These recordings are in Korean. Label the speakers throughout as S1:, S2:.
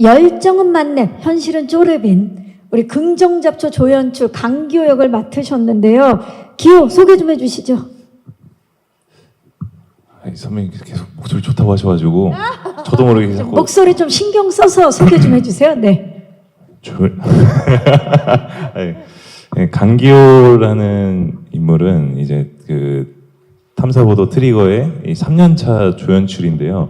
S1: 열정은 만렙, 현실은 쪼렙인 우리 긍정잡초 조연출 강기호 역을 맡으셨는데요. 기호 소개 좀 해주시죠.
S2: 아니, 선배님 계속 목소리 좋다고 하셔가지고 저도 모르게 자꾸
S1: 목소리 좀 신경 써서 소개 좀 해주세요. 네.
S2: 아니, 네, 강기호라는 인물은 이제 그 탐사보도 트리거의 이 3년차 조연출인데요.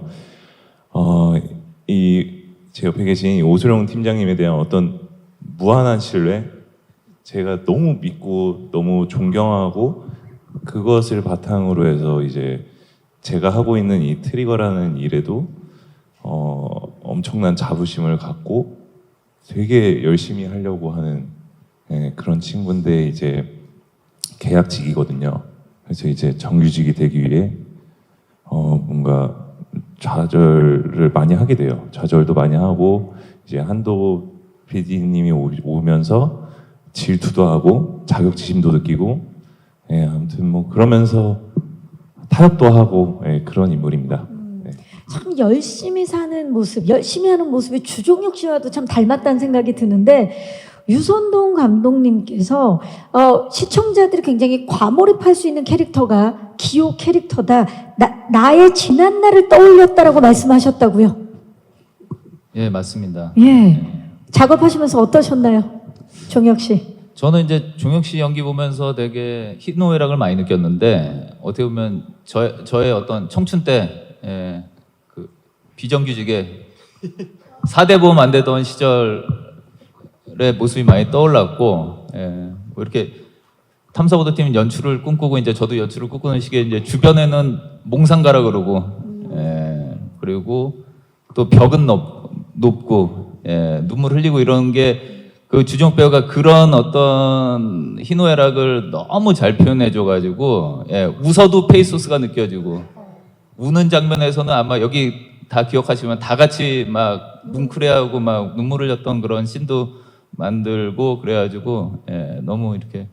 S2: 제 옆에 계신 이 오수룡 팀장님에 대한 어떤 무한한 신뢰, 제가 너무 믿고 너무 존경하고 그것을 바탕으로 해서 이제 제가 하고 있는 이 트리거라는 일에도 엄청난 자부심을 갖고 되게 열심히 하려고 하는 그런 친구인데 이제 계약직이거든요. 그래서 이제 정규직이 되기 위해 뭔가 좌절을 많이 하게 돼요. 좌절도 많이 하고 이제 한도 PD님이 오면서 질투도 하고 자격지심도 느끼고 아무튼 뭐 그러면서 타협도 하고 그런 인물입니다.
S1: 참 열심히 사는 모습, 열심히 하는 모습이 주종혁 씨와도 참 닮았다는 생각이 드는데 유선동 감독님께서 시청자들이 굉장히 과몰입할 수 있는 캐릭터가 기호 캐릭터다. 나의 지난 날을 떠올렸다라고 말씀하셨다고요?
S3: 예, 맞습니다.
S1: 예. 작업하시면서 어떠셨나요? 종혁 씨.
S3: 저는 이제 종혁 씨 연기 보면서 되게 희노애락을 많이 느꼈는데 어떻게 보면 저의 어떤 청춘 때 그 비정규직에 4대 보험 안 되던 시절의 모습이 많이 떠올랐고 뭐 이렇게 탐사보도팀 연출을 꿈꾸고 이제 저도 연출을 꿈꾸는 시기에 이제 주변에는 몽상가라 그러고 그리고 또 벽은 높고 눈물 흘리고 이런 게 그 주종혁 배우가 그런 어떤 희노애락을 너무 잘 표현해줘가지고 웃어도 페이소스가 느껴지고 우는 장면에서는 아마 여기 다 기억하시면 다 같이 막 뭉클해하고 막 눈물 흘렸던 그런 씬도 만들고 그래가지고 너무 이렇게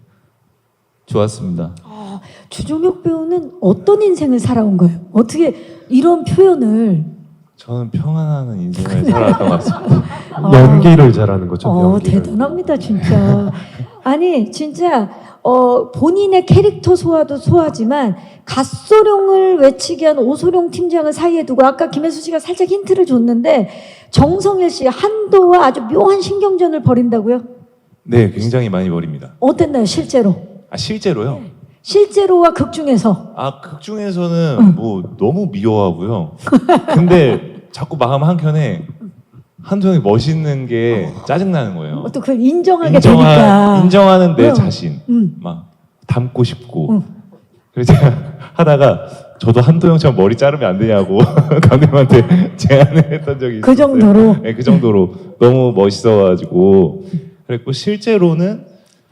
S3: 좋았습니다.
S1: 주종혁 배우는 어떤 인생을 살아온 거예요? 어떻게 이런 표현을?
S2: 저는 평안한 인생을 살아왔던 것 같습니다.
S4: 연기를 잘하는 거죠. 연기를.
S1: 대단합니다, 진짜. 아니, 진짜 본인의 캐릭터 소화도 소화지만 갓소룡을 외치게 한 오소룡 팀장을 사이에 두고 아까 김혜수 씨가 살짝 힌트를 줬는데 정성일 씨 한도와 아주 묘한 신경전을 벌인다고요?
S2: 네, 굉장히 많이 버립니다.
S1: 어땠나요, 실제로?
S2: 실제로요?
S1: 실제로와 극 중에서?
S2: 극 중에서는 뭐 너무 미워하고요. 근데 자꾸 마음 한켠에 한동이 멋있는 게 짜증나는 거예요.
S1: 또 그걸 인정하게 되니까.
S2: 인정하는 내 자신 막 닮고 싶고. 그래서 제가 하다가 저도 한도영처럼 머리 자르면 안 되냐고 감독님한테 제안을 했던 적이 있어요.
S1: 그 정도로?
S2: 네, 그 정도로 너무 멋있어가지고 그랬고 실제로는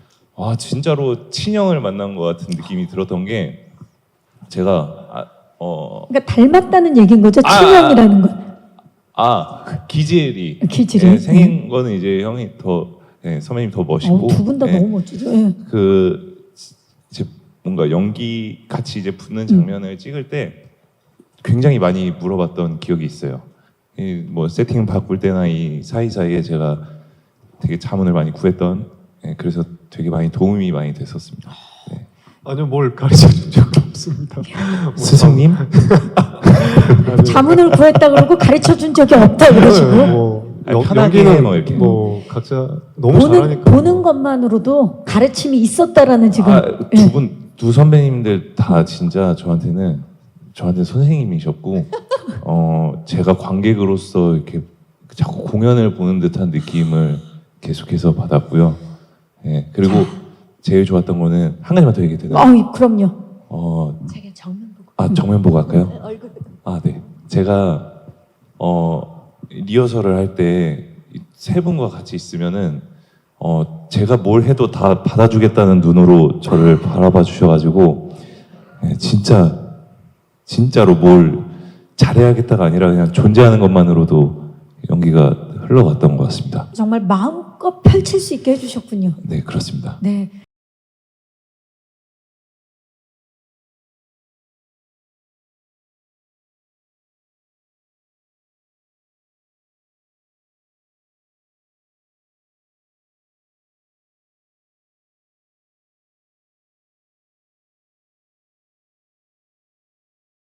S2: 진짜로 친형을 만난 것 같은 느낌이 들었던 게 제가
S1: 그러니까 닮았다는 얘기인 거죠, 친형이라는 건.
S2: 기질이 생긴 거는 이제 형이 더 선배님 더 멋있고
S1: 두 분 다 너무 멋지죠.
S2: 이제 뭔가 연기 같이 이제 붙는 장면을 찍을 때 굉장히 많이 물어봤던 기억이 있어요. 뭐 세팅 바꿀 때나 이 사이사이에 제가 되게 자문을 많이 구했던 그래서 되게 많이 도움이 많이 됐었습니다.
S4: 아니요, 뭘 가르쳐 준 적이 없습니다.
S2: 스승님?
S1: 자문을 구했다 그러고 가르쳐 준 적이 없다 그러시고.
S2: 편하게
S4: 연기는
S2: 뭐 이렇게.
S4: 각자 너무 잘하니까.
S1: 보는 것만으로도 가르침이 있었다라는 지금.
S2: 두 선배님들 다 진짜 저한테 선생님이셨고 제가 관객으로서 이렇게 자꾸 공연을 보는 듯한 느낌을 계속해서 받았고요. 그리고 제일 좋았던 거는 한 가지만 더 얘기해도 되나요?
S1: 그럼요.
S2: 제가 정면 보고. 정면 보고 할까요?
S1: 얼굴.
S2: 네. 제가 리허설을 할 때 세 분과 같이 있으면은 제가 뭘 해도 다 받아주겠다는 눈으로 저를 바라봐 주셔가지고 진짜로 뭘 잘해야겠다가 아니라 그냥 존재하는 것만으로도 연기가 흘러갔던 것 같습니다.
S1: 정말 마음껏 펼칠 수 있게 해주셨군요.
S2: 네, 그렇습니다.
S1: 네.